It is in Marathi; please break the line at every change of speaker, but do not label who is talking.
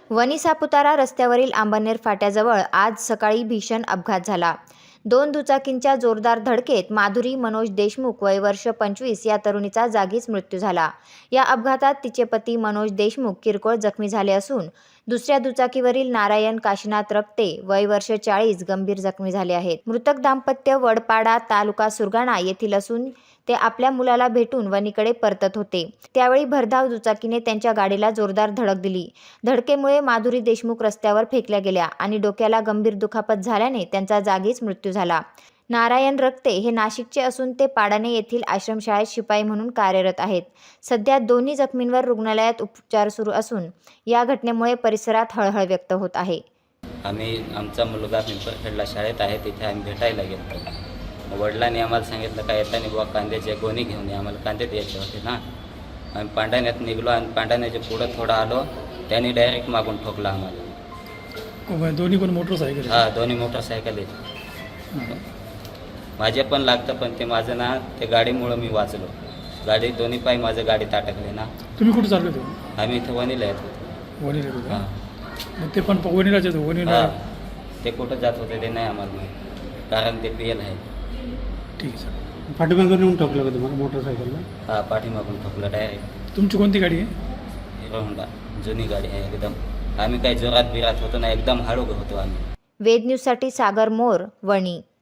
वणी सापुतारा रस्त्यावरील आंबनेर फाट्याजवळ आज सकाळी भीषण अपघात झाला। दोन दुचाकींच्या जोरदार धडकेत माधुरी मनोज देशमुख वय वर्ष 25 या तरुणीचा जागीच मृत्यू झाला। या अपघातात तिचे पती मनोज देशमुख किरकोळ जखमी झाले असून दुसऱ्या दुचाकीवरील नारायण काशीनाथ रक्ते वय वर्ष 40 गंभीर जखमी झाले आहेत। मृतक दाम्पत्य वडपाडा तालुका सुरगाणा येथील असून ते आपल्या मुलाला भेटून वणीकडे परतत होते। त्यावेळी भरधाव दुचाकीने त्यांच्या गाडीला जोरदार धडक दिली। धडकेमुळे माधुरी देशमुख रस्त्यावर फेकल्या गेल्या आणि डोक्याला गंभीर दुखापत झाल्याने त्यांचा जागीच मृत्यू झाला। नारायण रक्ते हे नाशिकचे असून ते पाडाणे येथील आश्रमशाळेत शिपाई म्हणून कार्यरत आहेत। सध्या दोन्ही जखमींवर रुग्णालयात उपचार सुरू असून या घटनेमुळे परिसरात हळहळ व्यक्त होत आहे।
आमचा मुलगा पिंपरखेडला शाळेत आहे, तिथे आम्ही भेटायला गेलो। वडिलांनी आम्हाला सांगितलं का येताना बुवा कांद्याचे गोणी घेऊन ये, आम्हाला कांदे द्यायचे होते ना। आम्ही पांढाण्यात निघलो आणि पांढाण्याच्या पुढं थोडं आलो, त्यांनी डायरेक्ट मागून ठोकला आम्हाला।
दोन्ही पण मोटरसायकल?
हां, दोन्ही मोटरसायकल आहेत। माझे पण लागतं, पण ते माझं ना ते गाडीमुळं मी वाचलो। गाडी दोन्ही पाय माझं गाडीत अटकले ना।
तुम्ही कुठे चालले होते?
आम्ही इथं वणीला येत होतो।
वणीला येत होते?
हां,
मग ते पण वणीलाच येतो? वणीला
ते कुठं जात होते ते नाही आम्हाला माहीत, कारण ते पीएल आहे।
ठीक आहे सर।
पाठीमागून येऊन ठोकलं का तुम्हाला मोटरसायकलला?
हां, पाठीमागून ठोकलं डायरेक्ट।
तुमची कोणती गाडी आहे?
हिरो होंडा जुनी गाडी आहे एकदम। आम्ही काही जोरात बिरात होतो ना, एकदम हळू होतो आम्ही।
वेद न्यूजसाठी सागर मोर, वणी।